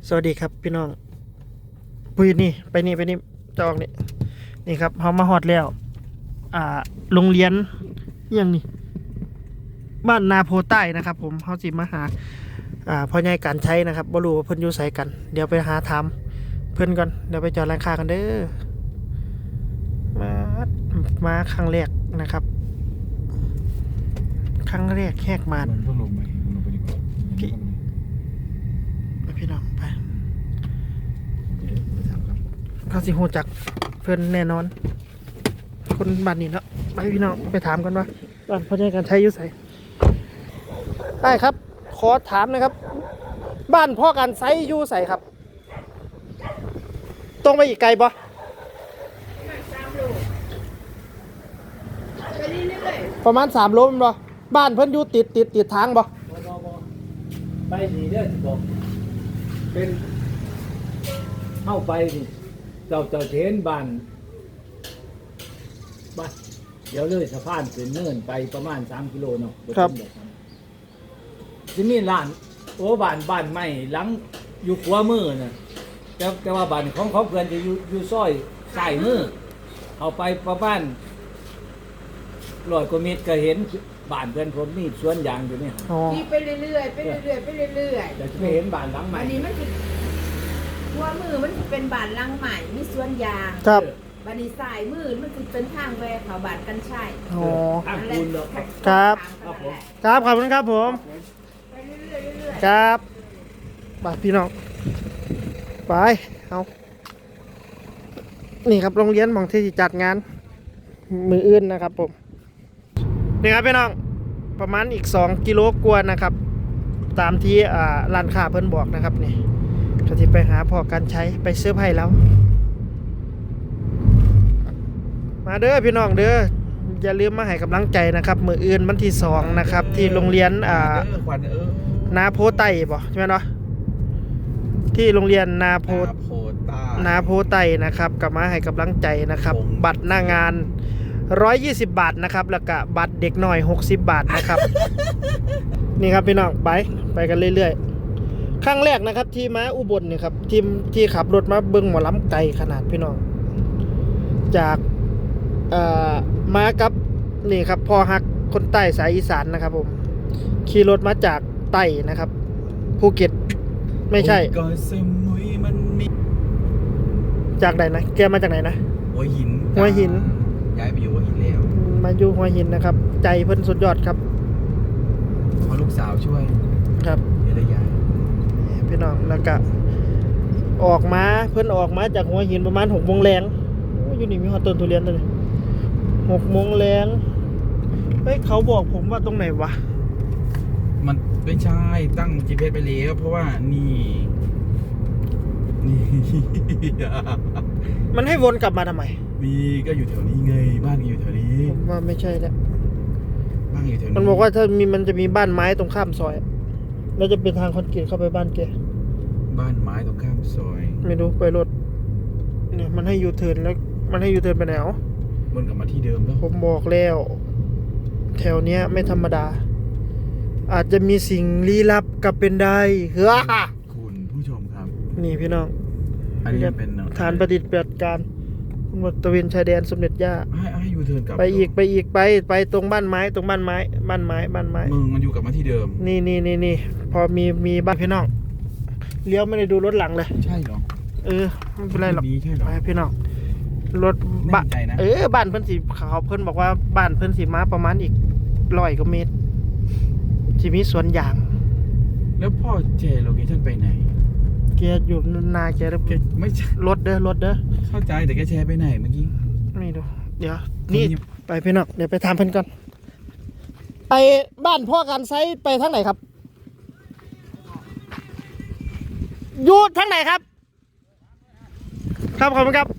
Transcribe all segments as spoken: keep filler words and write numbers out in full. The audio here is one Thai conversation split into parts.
สวัสดีครับพี่น้องปุ้ยนี่ไปนี่ไปนี่จอกนี่นี่ครับเขามาฮอดแล้วอ่าโรงเรียนยังนี่บ้านนาโพใต้นะครับผมเขาสิมาหาอ่าพ่อใหญ่การใช้นะครับบ่รู้ว่าเพิ่นอยู่ไสกันเดี๋ยวไปหาถามเพิ่นก่อนเดี๋ยวไปจอดร้านค้ากันเด้อมามาครั้งแรกนะครับครั้งแรกแหกมานมันต้องลงไปลงไปดีกว่าพี่ ไปพี่น้องไปไปถามครับเขาสิฮู้จักเพิ่นแน่นอน คนบ้านนี้เนาะไปพี่น้องไปถามกันว่าบ้านพ่อใหญ่การใช้อยู่ไสได้ครับ ขอถามหนะครับ บ้านพ่อการใช้อยู่ไสครับ ตรงไปอีกไกลบ่ประมาณสามโลแม่นบ่บ้านเพิ่นอยู่ติดติดติดทางบ่ไปนี่เด้อสิบอกเป็นเข้าไปนี่เจ้าเจ้าเทนบ้านบ้านเดี๋ยวเลยสะพานเป็นเนินไปประมาณสามกิโลเนาะที่มีร้านโอ้บ้านบ้านใหม่หลังอยู่ขวามือน่ะแต่แต่ว่าบ้านของเขาเพื่อนจะอยู่อยู่ซอยซ้ายมือเอาไปประมาณร้อยกว่าเมตรก็เห็นบ้านเพื่อนผมนี่สวนยางอยู่เนี่ยอ๋อที่ไปเรื่อยๆไปเรื่อยๆไปเรื่อยแต่จะไม่เห็นบ้านหลังใหๆม่อันนี้มันคือหัวมือมันจะเป็นบานลังใหม่มีสวนยางครับบันนี้สายมือมันคือเป็นทางแวะเขาบานกันใช่อ๋อทางปูนเนาะครับครับผมครับขอบคุณครับผมไปเรื่อยๆเรื่อยครับไปพี่น้องไปเอานี่ครับโรงเรียนของที่สิจัดงานมืออื่นนะครับผมนี่ครับพี่น้องประมาณอีกสองกิโลกว่านะครับ ตามที่อ่าร้านค้าเพิ่นบอกนะครับนี่ก็ที่ไปหาพอการใช้ไปซื้อไผ่แล้ว มาเด้อพี่น้องเด้ออย่าลืมมาให้กำลังใจนะครับ มืออื่นวันที่สองนะครับ ที่โรงเรียนอ่าเออควันเออนาโพไต้บ่ใช่ไหมเนาะที่โรงเรียนนาโพนาโพต้านาโพไต้นะครับกลับมาให้กำลังใจนะครับผมบัตรหน้างานหนึ่งร้อยยี่สิบบาทนะครับแล้วก็บัตรเด็กหน่อยหกสิบบาทนะครับ นี่ครับพี่น้องไปไปกันเรื่อยๆครั้งแรกนะครับ ที่มาอุบลเนี่ยครับทีมที่ขับรถมาเบิ้งหมอลำไก่ขนาดพี่น้อง จากเอ่อมากับนี่ครับพ่อฮักคนใต้สายอีสานนะครับผมขี่รถมาจากใต้นะครับภูเก็ตไม่ใช่ก็สมุยมันมีจากไหนนะแกมาจากไหนนะหัวหินหัวหินย้ายไปอยู่หัวหินแล้วมาอยู่หัวหินนะครับ ใจเพิ่นสุดยอดครับขอลูกสาวช่วยครับเดี๋ยวได้ย้ายพี่น้องแล้วก็ออกมาเพิ่นออกมาจากหัวหินประมาณหกโมงแรงโอ้อยู่นี่มีฮอตต้นทุเรียนตัวนี้หกโมงแรงเฮ้ยเขาบอกผมว่าตรงไหนวะมันไม่ใช่ตั้ง จี พี เอส ไปแล้วเพราะว่านี่นี่มันให้วนกลับมาทำไมมีก็อยู่แถวนี้ไงบ้านก็อยู่แถวนี้ผมว่าไม่ใช่แล้วบ้านอยู่แถวนี้มันบอกว่าถ้ามีมันจะมีบ้านไม้ตรงข้ามซอยแล้วจะเป็นทางคอนกรีตเข้าไปบ้านแกบ้านไม้ตรงข้ามซอยไม่รู้ไปรถเนี่ยมันให้ยูเทิร์นแล้วมันให้ยูเทิร์นไปไหนอ๋อมันกลับมาที่เดิมแล้วผมบอกแล้ว แถวเนี้ยไม่ธรรมดา อาจจะมีสิ่งลี้ลับกับเป็นได้เฮ้อคุณผู้ชมครับนี่พี่น้องอันนี้เป็นฐานประดิษฐ์ปฏิบัติการตะเวนชายแดนสมเด็จย่าให้ให้ยูเทิร์นกลับไปอีกไปอีกไปไปตรงบ้านไม้ตรงบ้านไม้บ้านไม้บ้านไม้มึงมันอยู่กลับมาที่เดิมนี่นี่นี่นี่พอมีมีบ้านพี่น้องเลี้ยวไม่ได้ดูรถหลังเลยใช่เหรอเออไม่เป็นไรหรอกนี้ใช่เหรอไปพี่น้องรถแน่บ้านใจนะเออบ้านเพิ่นสีเขาเพิ่นบอกว่าบ้านเพิ่นสีมาประมาณอีกร้อยกว่าเมตรที่มีสวนยางแล้วพ่อเจโลเคชั่นไปไหนแกอยู่นาแกแล้วแกไม่ใช่รถเด้อรถเด้อเข้าใจแต่แกแชร์ไปไหนเมื่อกี้นี่ดูเดี๋ยวนี่คนนี้ไปพี่น้องเดี๋ยวไปถามเพิ่นก่อนไปบ้านพ่อการไซไปทางไหนครับอยู่ทางไหนครับ ครับขอบคุณครับ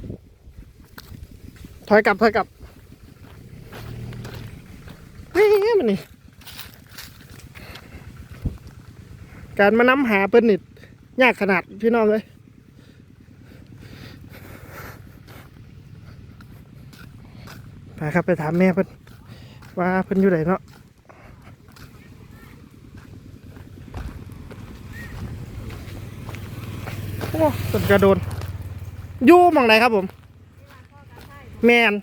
ถอยกลับถอยกลับเฮ้ยมันนี่การมานำหาเปิ้นนิดยากขนาดพี่น้องเลยไปครับไปถามแม่เพิ่นว่าเพิ่นอยู่ไหนเนาะอ้ต้นกระโดนอยู่หมองไหนครับผมแมน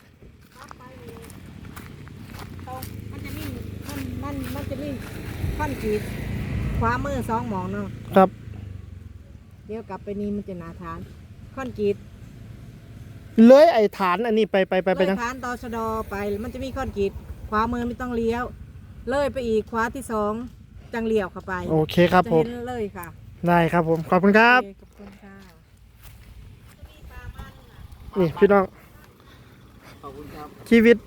มันจะมีมันมันมันจะมีค่อนจีดขวามือสองหมองเนาะครับเดี๋ยวกลับไปนี่มันจะหนาฐานค่อนจีดเลยไอ้ฐานอันนี้ไปไปไปไปเลยจังฐานตชดไปมันจะมีค่อนจีดขวามือไม่ต้องเลี้ยว เลยไปอีกขวาที่สองจังเลี้ยวเข้าไปโอเคครับจะผมเห็นเลยค่ะได้ครับผมขอบคุณครับโอเขอบคุณค่ะนี่พี่น้องขอบคุณครับชีวิต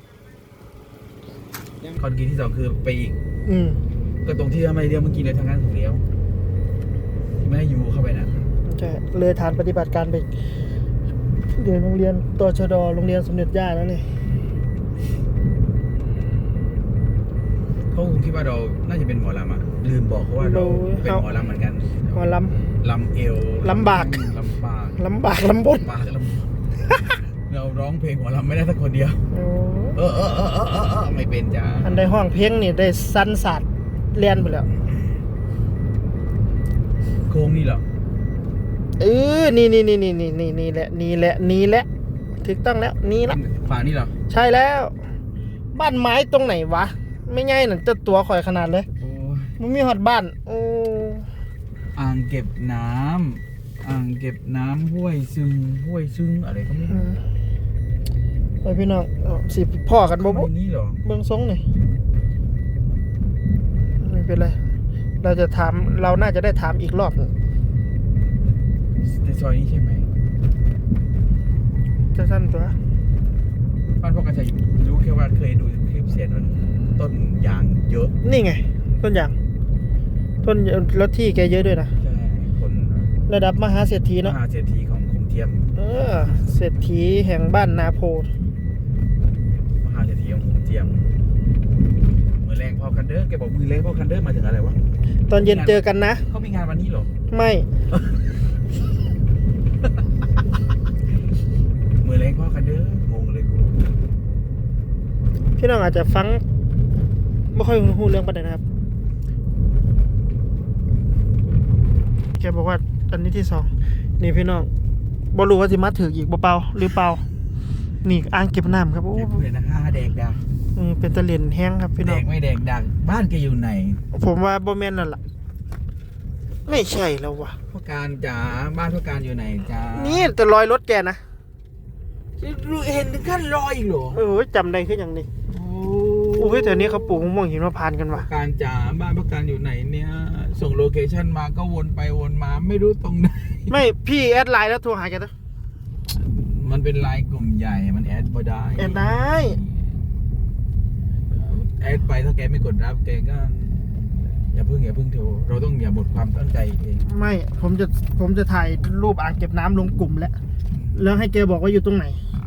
คอนกรีตที่สองคือไปอีกอืมก็ตรงที่ทำไมเลี้ยวเมื่อกี้เลยทางนั้นถูกเลี้ยวที่ไม่ให้ยูเข้าไปน่ะใช่เลยฐานปฏิบัติการไปเรียนโรงเรียนตชดโรงเรียนสมเด็จย่าแล้วนี่เขาคงคิดว่าเราน่าจะเป็นหมอลำอ่ะลืมบอกเขาว่าเราเป็นหมอลำเหมือนกันหมอลลำเอวลำบากลำบากำลำบากลำบนลำบากลำเราร้องเพลงหมอลำไม่ได้สักคนเดียวโอ้เออเออเออเออเออเออไม่เป็นจ้าอันใดห้องเพลงนี่ได้สั้นศาสตร์เรียนไปแล้วโค้งนี่เหรอเออนี่นี่นี่นี่นี่นี่นี่แหละนี่แหละนี่แหละถูกต้องแล้วนี่ละฝั่งนี่เหรอใช่แล้ว บ้านไม้ตรงไหนวะ ไม่ง่ายหนังจะตัวข่อยขนาดเลยโอ้ยมันมีหอดบ้าน โอ้อ่างเก็บน้ำอ่างเก็บน้ำห้วยซึงห้วยซึงอะไรก็ไม่อืรู้มไปพี่น้องเอาสิพ่อกันบ่ทำไมบ่นี่เหรอเบื้องทรงนี่ไม่เป็นไรเราจะถามเราน่าจะได้ถามอีกรอบหนึ่งในซอยนี้ใช่ไหมจะสั้นตัวบ้านพ่อกระชัยรู้แค่ว่าเคยดูคลิปเสียนมันต้นยางเยอะนี่ไง ต้นยางต้นแล้วที่แกเยอะด้วยนะใช่คนระดับมหาเศรษฐีมเนาะหาเศรษฐีของคงเทียมเออเศรษฐีแห่งบ้านนาโพมหาเศรษฐีของคงเทียมมือแรงพ่อคันเดอร์แกบอกมือแรงพ่อคันเดอร์มาถึงอะไรวะตอนเย็นเจอกันนะเขามีงานวันนี้เหรอไม่มือแรงพ่อคันเดอร์งงเลยกูพี่น้องอาจจะฟังไม่ค่อยรู้เรื่องประเด็นนะครับแกบอกว่าอันนี้ที่สองนี่พี่น้องบรู้ว่าสิมาถืออีกบ่เปล่าหรือเปล่านี่อ่างเก็บน้ำครับโอ้เด็กเพื่อนนะคะแดกดักอืมเป็นตะเลียนแห้งครับพี่แดน้องกไม่แดกดักบ้านแกอยู่ไหนผมว่าบ่แม่นนั่นล่ะไม่ใช่แล้ววะพ่อการจ๋าบ้านพ่อการอยู่ไหนจ้านี่แต่รอยรถแกนะเห็นถึงขั้นรอยอีกเหรอเออจำได้ขึ้นอย่างนี้โอ้โอ้ยแต่นี้เขาปลูกมะม่วงหิมพานต์กันว่ะพ่อการจ๋าบ้านพ่อการอยู่ไหนเนี่ย ส่งโลเคชั่นมาก็วนไปวนมาไม่รู้ตรงไหนไม่พี่แอดไลน์แล้วโทรหาแกนะมันเป็นไลน์กลุ่มใหญ่มันแอดบ่ได้แอดได้แอดไปถ้าแกไม่กดรับแกก็ อย่าเพิ่งอย่าเพิ่งโทรเราต้องอย่าหมดความตั้งใจเองไม่ผมจะผมจะถ่ายรูปอ่างเก็บน้ำลงกลุ่มแล้วแล้วให้แกบอกว่าอยู่ตรงไหน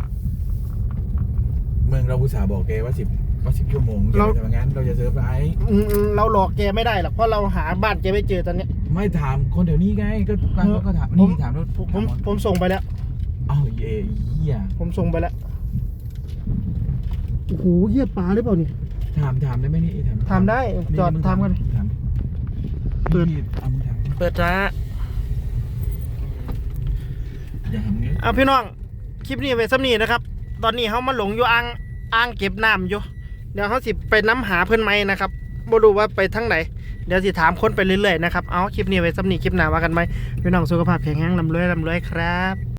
เมืองเราอุตส่าห์บอกแกว่าสิบว่าสิบชั่วโมงแกเราไม่ทำงั้นเราจะเซอร์ไพรส์อืมเราหลอกแกไม่ได้หรอกเพราะเราหาบ้านแกไม่เจอตอนเนี้ยไม่ถามคนแถวนี้ไงก็บางคนก็ถามผมนี่ถามแล้วผมผมผมส่งไปแล้วเอ้าเย่เหี้ยผมส่งไปแล้วโอ้โหเหี้ยปลาหรือเปล่านี่ถามถามได้ไหมนี่ถามถามได้จอดมึงถามกันถามเปิดนี่เอามึงถามเปิดร้านอย่าทำงี้เอาพี่น้องคลิปนี้ไปซ้ำนี้นะครับ ตอนนี้เขามาหลงอยู่อ่างอ่างเก็บน้ำอยู่เดี๋ยวเขาสิไปน้ำหาเพื่อนไหมนะครับบ่รู้ว่าไปทั้งไหนเดี๋ยวสิถามคนไปเรื่อยๆนะครับเอาคลิปนี้ไปซ้ำนี้คลิปหน้าว่ากันไหมพี่น้องสุขภาพแข็งแรงลำรวยลำรวยครับ